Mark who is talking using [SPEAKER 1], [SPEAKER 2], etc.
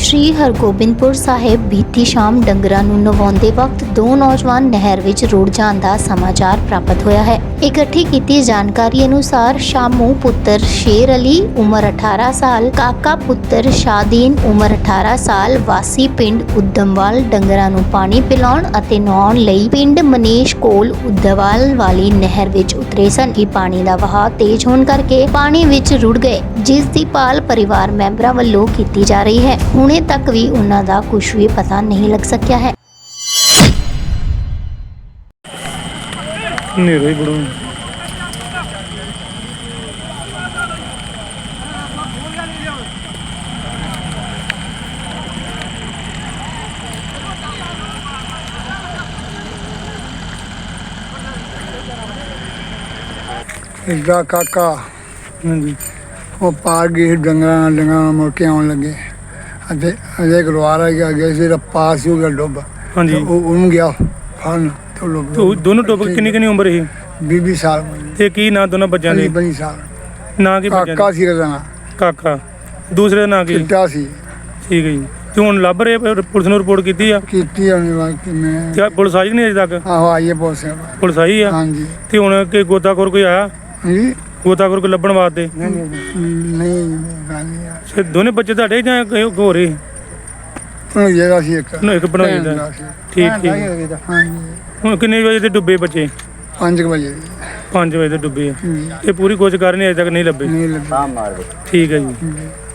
[SPEAKER 1] ਸ਼੍ਰੀ ਹਰਗੋਬਿੰਦਪੁਰ ਸਾਹਿਬ ਬੀਤੀ ਸ਼ਾਮ ਡੰਗਰਾਂ ਨੂੰ ਨਵਾਉਂਦੇ ਵਕਤ ਦੋ ਨੌਜਵਾਨ ਨਹਿਰ ਵਿੱਚ ਰੁੜ ਜਾਣ ਦਾ ਸਮਾਚਾਰ ਪ੍ਰਾਪਤ ਹੋਇਆ ਹੈ। ਇਕੱਠੀ ਕੀਤੀ ਜਾਣਕਾਰੀ ਅਨੁਸਾਰ ਸ਼ਾਮੂ ਪੁੱਤਰ ਸ਼ੇਰ ਅਲੀ ਉਮਰ 18 ਸਾਲ, ਕਾਕਾ ਪੁੱਤਰ ਸ਼ਾਦੀਨ ਉਮਰ 18 ਸਾਲ ਵਾਸੀ ਪਿੰਡ ਉਦਮਵਾਲ ਡੰਗਰਾਂ ਨੂੰ ਪਾਣੀ ਪਿਲਾਉਣ ਅਤੇ ਨਹਾਉਣ ਲਈ ਪਿੰਡ ਮਨੀਸ਼ ਕੋਲ ਉਦਮਵਾਲ ਵਾਲੀ ਨਹਿਰ ਵਿੱਚ ਉਤਰੇ ਸਨ ਕਿ ਪਾਣੀ ਦਾ ਵਹਾਅ ਤੇਜ਼ ਹੋਣ ਕਰਕੇ ਪਾਣੀ ਵਿੱਚ ਰੁੜ ਗਏ, ਜਿਸ ਦੀ ਭਾਲ ਪਰਿਵਾਰ ਮੈਂਬਰਾਂ ਵੱਲੋਂ ਕੀਤੀ ਜਾ ਰਹੀ ਹੈ। ਹੁਣੇ ਤੱਕ ਵੀ ਉਹਨਾਂ ਦਾ ਕੁਝ ਵੀ ਪਤਾ ਨਹੀਂ ਲੱਗ ਸਕਿਆ ਹੈ।
[SPEAKER 2] ਨੇੜੇ ਬੜੋ
[SPEAKER 3] ਇਸਦਾ ਕਾਕਾ
[SPEAKER 2] ਹਾਂਜੀ
[SPEAKER 3] ਉਹ ਪਾਰ ਗਈ ਡੰਗਰਾਂ ਮੁੜ ਕੇ ਆਉਣ ਲੱਗੇ ਅਤੇ ਅਜੇ ਗਲਵਾਰਾ ਗਿਆ ਸੀ ਤਾਂ ਪਾਸ ਹੋ ਗਿਆ ਡੁੱਬ।
[SPEAKER 2] ਹਾਂਜੀ
[SPEAKER 3] ਉਹ ਉਹਨੂੰ ਗਿਆ ਫੜਨ ਤੇ
[SPEAKER 2] ਤੇ ਉਹ ਦੋਨੋਂ ਟੋਪ ਕਿੰਨੀ ਉਮਰ ਸੀ
[SPEAKER 3] 20 ਸਾਲ
[SPEAKER 2] ਤੇ ਕੀ ਨਾਂ ਦੋਨਾਂ ਬੱਚਿਆਂ ਦੇ?
[SPEAKER 3] 20 ਸਾਲ
[SPEAKER 2] ਨਾਂ ਕੀ ਬੱਚਿਆਂ
[SPEAKER 3] ਕਾਕਾ
[SPEAKER 2] ਦੇ?
[SPEAKER 3] ਸੀ ਰਜ਼ਨਾ
[SPEAKER 2] ਕਾਕਾ। ਦੂਸਰੇ ਦਾ ਨਾਂ ਕੀ?
[SPEAKER 3] ਚਿੱਟਾ ਸੀ।
[SPEAKER 2] ਠੀਕ ਹੈ ਜੀ। ਤੇ ਹੁਣ ਲੱਭ ਰਹੇ ਪੁਲਿਸ ਨੂੰ ਰਿਪੋਰਟ ਕੀਤੀ ਆ?
[SPEAKER 3] ਕੀਤੀ ਉਹਨੇ ਵਾਕ ਮੈਂ
[SPEAKER 2] ਤੇ ਪੁਲਿਸ ਆਈ ਨਹੀਂ ਅਜੇ ਤੱਕ?
[SPEAKER 3] ਆਹੋ ਆਈਏ ਪੁਲਿਸ
[SPEAKER 2] ਪੁਲਿਸ ਆਈ ਆ?
[SPEAKER 3] ਹਾਂਜੀ
[SPEAKER 2] ਤੇ ਹੁਣ ਕਿ ਗੋਤਾਖੋਰ ਕੋਈ ਆਇਆ?
[SPEAKER 3] ਜੀ
[SPEAKER 2] ਗੋਤਾਖੋਰ ਕੋਈ ਲੱਭਣ ਵਾਸਤੇ?
[SPEAKER 3] ਨਹੀਂ ਗੱਲ ਨਹੀਂ ਆ।
[SPEAKER 2] ਤੇ ਦੋਨੇ ਬੱਚੇ ਤੁਹਾਡੇ ਜਾਂ ਕੋਈ ਹੋਰ ਹੀ?
[SPEAKER 3] ਉਹਨੂੰ ਜਿਹੜਾ ਸੀ ਇੱਕ
[SPEAKER 2] ਉਹਨੂੰ ਇੱਕ ਬਣਾਈ ਦਾ।
[SPEAKER 3] ਭੈਣ ਸੀ।
[SPEAKER 2] ਠੀਕ ਠੀਕ।
[SPEAKER 3] ਹਾਂਜੀ
[SPEAKER 2] ਹੁਣ ਕਿੰਨੇ ਵਜੇ ਤੇ ਡੁੱਬੇ ਬੱਚੇ?
[SPEAKER 3] 5 ਵਜੇ
[SPEAKER 2] 5 ਵਜੇ ਤੇ ਡੁੱਬੇ ਆ। ਇਹ ਪੂਰੀ ਕੋਸ਼ਿਸ਼ ਕਰ ਰਹੇ ਨੇ ਅਜੇ ਤੱਕ ਨਹੀਂ ਲੱਭੇ।
[SPEAKER 3] ਨਹੀਂ ਲੱਗਾ
[SPEAKER 2] ਠੀਕ ਹੈ ਜੀ।